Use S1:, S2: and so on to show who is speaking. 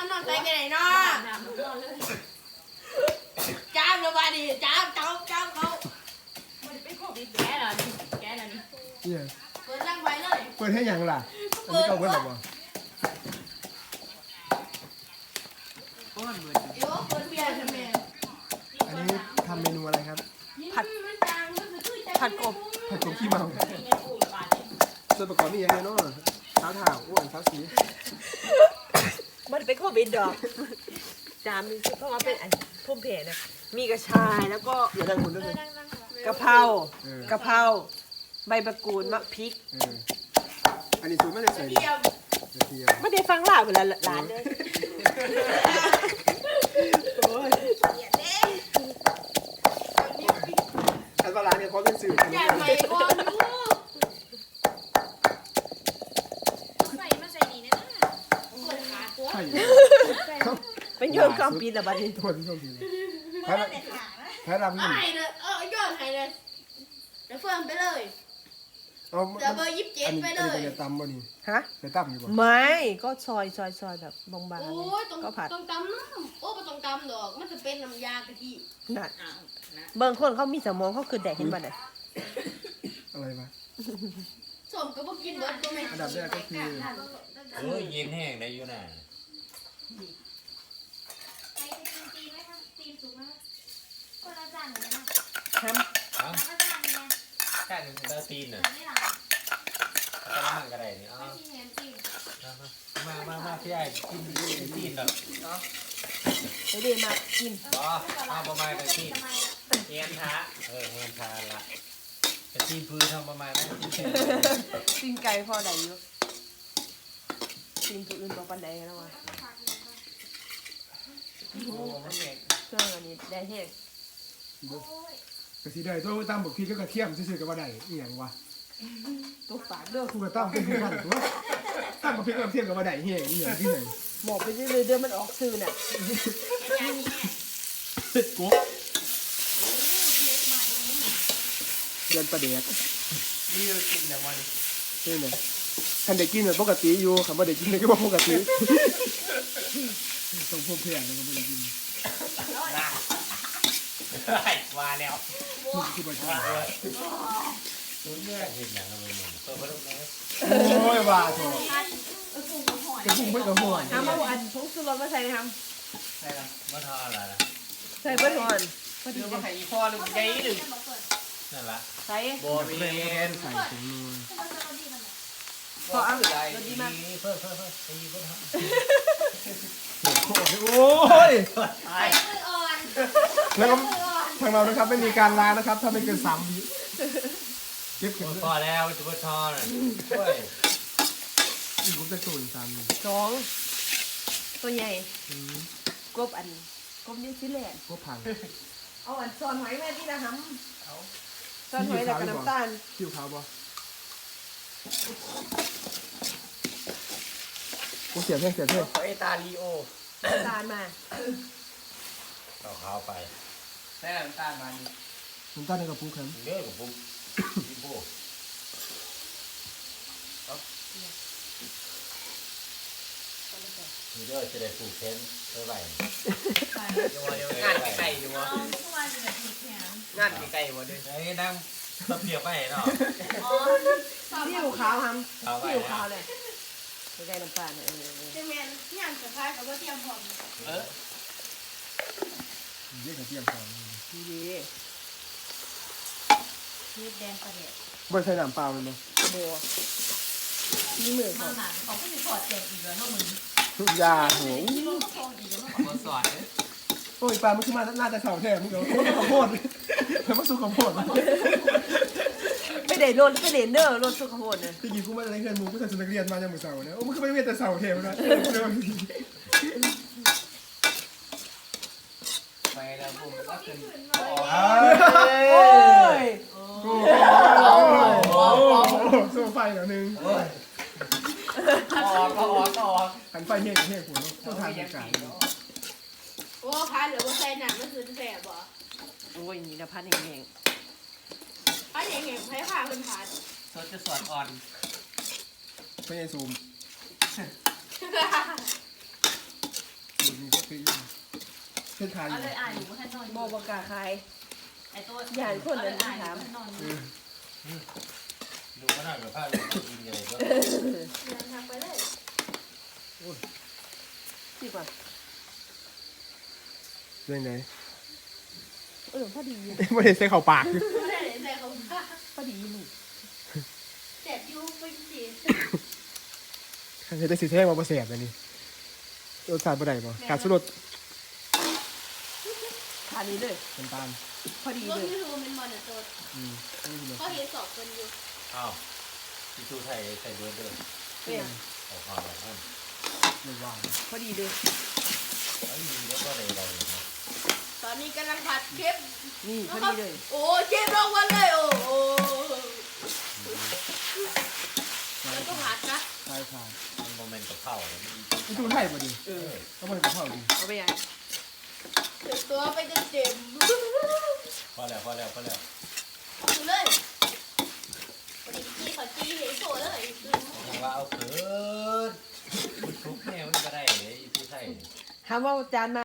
S1: นอนใส่กันไหนเนาะจ้ามเลยว่าดิจ้ามเขามันเป็นโควิดแก่แล้วนี่
S2: เนี่ย
S1: เปิดร่างไว้เลย
S2: เปิดให้ยังล่ะอันนี้เอาไว้หรอบ่
S1: เดี๋ยวเปิดเบียร์ทำไม
S2: อันนี้ทำเมนูอะไรครับ
S3: ผัดกบ
S2: ขี้เมาส่วนประกอบนี่ยังไงเนาะเท้าถ่าวอ้วนเท้าสี
S3: มันเป็นโควิดดอกจามมีเพราะว่าเป็นอันพุ่มเพนะมีกระชายแล้วก็
S2: อย่าดังคุณด้วยเลย
S3: กะเพราใบมะกรูดมะพริก
S2: อันนี้สูตรไม่ได้ใส่เทียม
S3: ไม่ได้ฟังล่าเวลาหลานเลย
S2: อันว่าร้านเนี่ยเขาเป็นสื่อ
S1: อยากไปก่อนดูใส่มาใส่ดีนะเปิดขาตัว
S3: เป็นโยนกองปีนละบัดนี้
S2: โทษที่โทษทีแพ้รำนี่
S1: ให้เลยยอดให้เลยเดี๋ยวเฟิร์มไปเลยเดี๋ยวเบอร์27ไปเลย
S2: อันนี้จะตำบ่นี่
S3: ฮะ
S2: จะตำอยู่บ่
S3: ไม่ก็ซอยแบบบาง
S1: ๆโอ้ยก็ผัดต้องตำน้ำโอ้ไม่ต้องตำดอกมันจะเป็นน้ำยากะทิ
S3: นั่นบางคนเขามีสมองเขาคือแดกเห็นบ่เนี่ย
S2: อะไรวะ
S1: สมก็บ่กินเบิร์ดก็ไม่
S2: อันดับแรกก็คือ
S4: เย็นแห้งได้อยู่น่ะ
S1: ตีไหมคะตีสุกไหมคนละจานเลยนะ
S3: ท
S4: จานหนึ่งตาตีนน่ะตาละมันก็ได้นี่มาพี่ไอ้กินตีนดอก
S3: ไปเดี๋ยวมากิน
S4: เอาประมาณแต่ตีนเงียนท้าเงียนท้าละแต่ตีนพื้นทำประมาณนั้น
S3: ตีนไก่พอได้อยู่ตีนตัวอื่นบอกปันใดแล้ววะเครื่องอันนี้ได้แห้ง
S2: กระสีได้ตัวตำบักพริกก็กระเทียมซื่อๆกับว่าได้อีหยังวะ
S3: ตัวฝากเด้อ
S2: กูก็ต้องเป็นกันตัวตำบักพริกกระเทียมกับว่าได้แห้งอีหยังที่ไหน
S3: บอกไปเรื่อยๆเดี๋ยวมันออกซื่อน่ะ
S2: เผ็ดกุ๊กเดือนประเดี๋ยว
S4: นี่เรากินอย่างวัน
S2: นี่ไงคันเด็กกินแบบปกติอยู่คำว่าเด็กกินก็บอกปกติต้องพบเพื่อนแล้วก็ไม่ได้กิน
S4: ว่าแล้ว
S2: นี่คือประชา
S4: ลุ้นเนี่ยเห็นอย่างไรเนี่ยเปิดประตูไหม
S2: โอ้ยว่าโถกระพุ้งไม่กระหัว
S3: ทำมาอันผงชูรสมาใส่ท
S4: ใช่แล้วมาทออะไรล่ะ
S3: ใส่เบิ้ลก่อน
S4: เดี๋ยวมาไข่พ่อหรือไงหรือนั่นละ
S3: ใส่
S4: โบเบน
S2: ใส่ถุงมือ
S3: พอเอา
S4: อะไรดีมากเพิ่มตีเพิ่ม
S2: โอ้ย
S1: ใส่มืออ่อน
S2: แล้วก็ทางเรานะครับไม่มีการล้างนะครับถ้าไม่เกิน3 วิเก็บเก็บ
S4: พอแล้วจะเพิ่มทอเลย
S2: อีกผมจะสูน3
S3: 2ตัวใหญ่กบนิวซีแลนด์
S2: กบพัง
S3: เอาอันซอนหอยแม่ที่ละหำซอนหอยแล้วก็น้ำตาล
S2: คิ้วขาวบ่กูเสียเท่
S4: เอตาลีโอ
S3: ตาลมา
S4: เอาข้าวไปแม่น้ำตาลมานี่
S2: น้ำตาลในกระปุกครับ
S4: เยอะกว่าปุ๊บพี่โบมีเด้อจะได้ผูกเส้นเท่าไหร่เดี๋ยวงานไก่อยู่วะงานไก่วะด้วยไอ้นั่งตะเพียบไปเนาะ
S3: ที่อยู่ขาวทำที่อยู่ขาวเลยใกล้น้ำตาลเนี่ย
S1: จะแมนงานสุดท้ายกับว่าเตรียมพร้อม
S2: เยอะกับเตรียมพร้อม
S3: ดี
S1: มีแดงประเดี๋ยว
S2: ไม่ใช่น้ำเปล่าเลยเนาะ
S3: โบมีมือเขา
S1: เขาก็จะถอดเจ็บอีกแล้วเนาะมึง
S2: ทุกยาโห
S4: มาสอน
S2: โอ้ยปลามันขึ้นมาน่าจะเข่าแท้มึงเดี๋ยวข้าวโพดเพิ่มมาสู้ข้าวโพด
S3: ไม่ได้โดนไม่ได้เนอร์โดนสู้ข้าวโพดเนี่ย
S2: ที่กี้กูมาอะไรเพื่อนมึงกูใส่ชุดนักเรียนมาจากมือเสาเนี่ยโอ้มึงก็ไม่เวียนแต่เสาเทมนะ
S4: ไปแล้วผมก็ขึ้น
S3: โอ้ย
S2: สู้ไฟหน่อยนึง
S4: ออก
S2: หันไฟเฮี้ยกับเฮี้ยหัวต้องทานอากาศ
S1: โอ้พันหรือว่าใส่หนังมันคือแสบบ่
S3: โอ้ยนี่นะพันเอง
S1: พันเองใช้ผ้าเป็นพัน
S4: โซจะสอนอ่อน
S2: ไม่ใช่ซูมขึ้นขายอ
S5: เอา
S2: ยู่
S5: เลยอ่านอยู่ว่าให้นอน
S3: บ่บ่กล้าขาย
S5: ไอ้ตัว
S3: อย่าให้คนเดิน
S5: อ่าน
S3: ถาม
S5: นอน
S4: ดูขนาดแบบผ้าเลยกินเลยก็
S1: เดินทางไปเลย
S3: สิกว่า
S2: เรื่องไหน
S3: พอดีอยู่
S2: ไม่ได้ใส่เข่าปาก
S1: ไม่ได้ใส่เขาผ้า
S3: พอดีอยู่นี่
S1: เจ็บอยู่ไปจี
S2: ใครจะได้สิแท้งมาประเสียบอันนี้รสชาติบ่ได้ป่ะขาดสุรส
S3: ทานนี้เลย
S2: น้ำตาล
S3: พอดี
S1: รถ
S3: เลย
S1: ยูทูบเป็นมอนิเตอร์
S2: นี่คือ
S1: เขาเห็นสอบคนอยู่
S4: อ้าวที่ชูไทยใส่เบอร์เดิม
S3: เนี่ย
S4: ออกมาแบบนั้น
S2: ไม่ว่าง
S3: พอดีเลย
S4: ไอ้ยีแล้วก็เลยเราเลยนะ
S1: ตอนนี้กำลังผัดเชฟ
S3: นี่พอดีเลย
S1: โอ้เชฟลงวันเลยโอ้โหแล้วก็ผัดนะ
S2: ใช่ค่ะ
S4: มันโมเมนต์กับเผาเลย
S2: นี่ดูไทยพอดีก็มันกับข้าวดี
S3: เอาไปยัง
S1: เต็มตัวไปเต็ม
S4: พอแล้วพอแล้วพอแล้ว
S1: ดูเลยวันนี้จีเขาจีเห็นโซ่เลย
S4: ยังว่าเอาเขินมันทุกแน่มันก็ได้เลยที่ไทย
S3: ถามว่าจานมา